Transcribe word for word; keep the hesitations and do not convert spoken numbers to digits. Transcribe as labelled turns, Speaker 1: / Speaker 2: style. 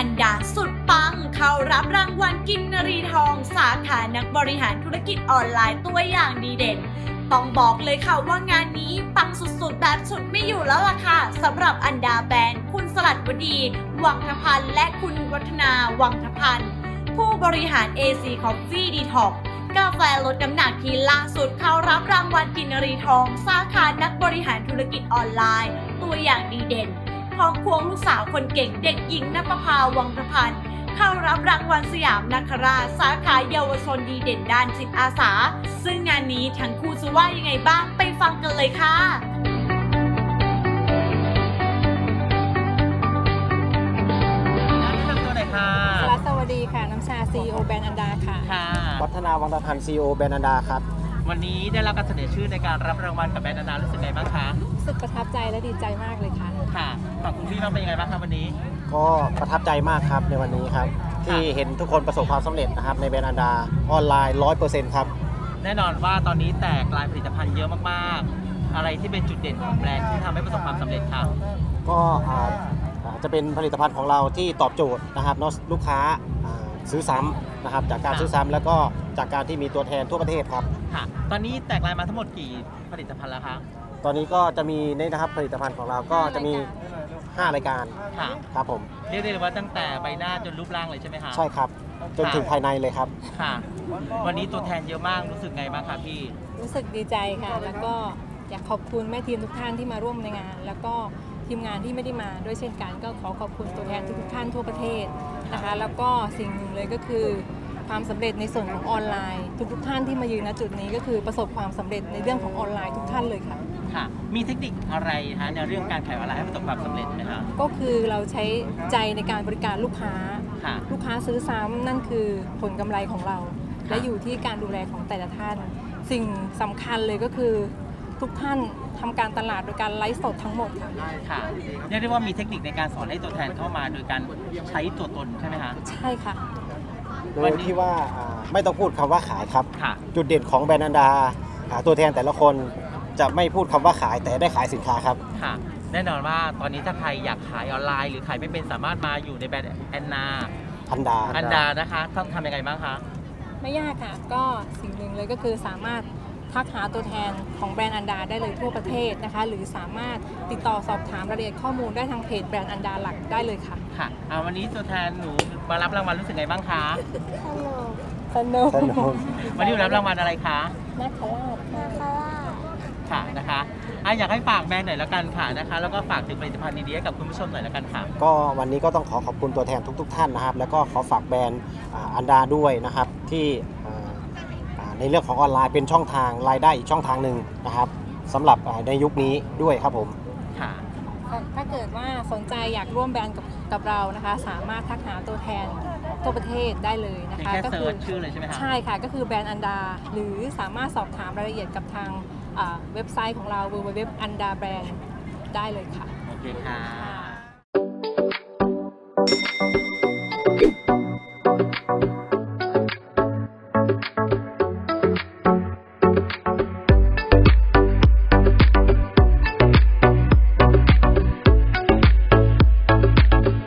Speaker 1: อันดาสุดปังเข้ารับรางวัลกินนรีทองสาขานักบริหารธุรกิจออนไลน์ตัวอย่างดีเด่นต้องบอกเลยค่ะว่างานนี้ปังสุดๆแบบสุดไม่อยู่แล้วล่ะค่ะสำหรับอันดาแบรนด์คุณสลัดวดีวังทพันธ์และคุณวัฒนาวังทพันธ์ผู้บริหาร เอ ซี Coffee Detox กาแฟลดน้ำหนักที่ล่าสุดเข้ารับรางวัลกินนรีทองสาขานักบริหารธุรกิจออนไลน์ตัวอย่างดีเด่นพร้อมควงลูกสาวคนเก่งเด็กหญิงณปภาวังทพันธ์เข้ารับรางวัลสยามนาคราชสาขาเยาวชนดีเด่นด้านจิตอาสาซึ่งงานนี้ทั้งคู่จะว่ายังไงบ้างไปฟังกันเลยค่ะ
Speaker 2: สลัดสวัสดีค่ะน้ำชา ซี อี โอ แบรนด์อันดาค่ะ
Speaker 3: ค่ะ
Speaker 4: วัฒนาวังตะพันธ์ ซี อี โอ แบรนด์อันดาครับ
Speaker 3: วันนี้ได้รับการเสนอชื่อในการรับรางวัลกับแบรนด์อันดารู้สึกไงบ้างคะ
Speaker 2: รู้สึกประทับใจและดีใจมากเลยค่ะ
Speaker 3: ค่ะฝั่งคุณพี่บ้างเป็นยังไงบ้างครับวันนี้
Speaker 4: ก็ประทับใจมากครับในวันนี้ครับที่เห็นทุกคนประสบความสำเร็จนะครับในแบรนด์อันดาออนไลน์ ร้อยเปอร์เซ็นต์ ครับ
Speaker 3: แน่นอนว่าตอนนี้แตกลายผลิตภัณฑ์เยอะมากๆอะไรที่เป็นจุดเด่นของแบรนด์ที่ทำให้ประสบความสำเร็จครับ
Speaker 4: ก็จะเป็นผลิตภัณฑ์ของเราที่ตอบโจทย์นะครับเนาะลูกค้าซื้อซ้ำนะครับจากการซื้อซ้ำแล้วก็จากการที่มีตัวแทนทั่วประเทศครับ
Speaker 3: ค่ะตอนนี้แตกลายมาทั้งหมดกี่ผลิตภัณฑ์แล้วคะ
Speaker 4: ตอนนี้ก็จะมีนี่นะครับผลิตภัณฑ์ของเราก็จะมีห้ารายการ
Speaker 3: ค่ะ
Speaker 4: ครับผม
Speaker 3: เรียกได้เลยว่าตั้งแต่ใบหน้าจนรูปร่างเลยใช่ไหมคะ
Speaker 4: ใช่ครับจนถึงภายในเลยครับ
Speaker 3: ค่ะวันนี้ตัวแทนเยอะมากรู้สึกไงบ้างคะพี่
Speaker 2: รู้สึกดีใจค่ะแล้วก็อยากขอบคุณแม่ทีมทุกท่านที่มาร่วมในงานแล้วก็ทีมงานที่ไม่ได้มาด้วยเช่นกันก็ขอขอบคุณตัวแทนทุกท่านทั่วประเทศนะคะแล้วก็สิ่งหนึ่งเลยก็คือความสำเร็จในส่วนของออนไลน์ทุกๆท่านที่มายืนณจุดนี้ก็คือประสบความสำเร็จในเรื่องของออนไลน์ทุกท่านเลยค่ะ
Speaker 3: ค่ะมีเทคนิคอะไรคะในเรื่องการขายออนไลน์ให้ประสบความสำเร็จไหมคะ
Speaker 2: ก็คือเราใช้ใจในการบริการลูกค้าลูกค้าซื้อซ้ำนั่นคือผลกำไรของเราและอยู่ที่การดูแลของแต่ละท่านสิ่งสำคัญเลยก็คือทุกท่านทำการตลาดโดยการไลฟ์สดทั้งหมดค่ะ
Speaker 3: ค่ะเรียกได้ว่ามีเทคนิคในการสอนให้ตัวแทนเข้ามาโดยการใช้ตัวตนใช่ไหมคะ
Speaker 2: ใช่ค่ะ
Speaker 4: โดยที่ว่าไม่ต้องพูดคำว่าขายครับ
Speaker 3: ค่ะ
Speaker 4: จุดเด่นของแบรนด์อันดาตัวแทนแต่ละคนจะไม่พูดคำว่าขายแต่ได้ขายสินค้าครับ
Speaker 3: ค่ะแน่นอนว่าตอนนี้ถ้าใครอยากขายออนไลน์หรือขายไม่เป็นสามารถมาอยู่ในแบรนด์แอนนา
Speaker 4: อันดา
Speaker 3: อันดานะคะต้องทำยังไงบ้างคะ
Speaker 2: ไม่ยากค่ะก็สิ่งหนึ่งเลยก็คือสามารถทักหาตัวแทนของแบรนด์อันดาได้เลยทั่วประเทศนะคะหรือสามารถติดต่อสอบถามรายละเอียดข้อมูลได้ทางเพจแบรนด์อันดาหลักได้เลยค่ะ
Speaker 3: ค่ะวันนี้ตัวแทนหนูมารับรางวัลรู้สึกไงบ้างคะ
Speaker 2: สนุก
Speaker 4: สนุก
Speaker 3: วันนี้รับรางวัลอะไรคะ
Speaker 2: นาคราช
Speaker 5: นาคราช
Speaker 3: ค่ะนะคะอยากให้ฝากแบรนด์หน่อยแล้วกันค่ะนะคะแล้วก็ฝากถึงผลิตภัณฑ์ดีๆให้กับคุณผู้ชมหน่อยแล้วกันค่ะ
Speaker 4: ก็วันนี้ก็ต้องขอขอบคุณตัวแทนทุกๆท่านนะครับแล้วก็ขอฝากแบรนด์อันดาด้วยนะครับที่ในเรื่องของออนไลน์เป็นช่องทางรายได้อีกช่องทางหนึ่งนะครับสำหรับในยุคนี้ด้วยครับผม
Speaker 3: ค่ะ
Speaker 2: ถ้าเกิดว่าสนใจอยากร่วมแบรนด์กับกับเรานะคะสามารถทักหาตัวแทนทั่วประเทศได้เลยนะคะ
Speaker 3: ก็คือชื่อเลยใช่ไหมคะ
Speaker 2: ใช่ค่ะก็คือแบรนด์อันดาหรือสามารถสอบถามรายละเอียดกับทางเว็บไซต์ของเรา ดับเบิลยู ดับเบิลยู ดับเบิลยู ดอท อันดาแบรนด์ ได้เลยค่ะ
Speaker 3: โอเคค่ะ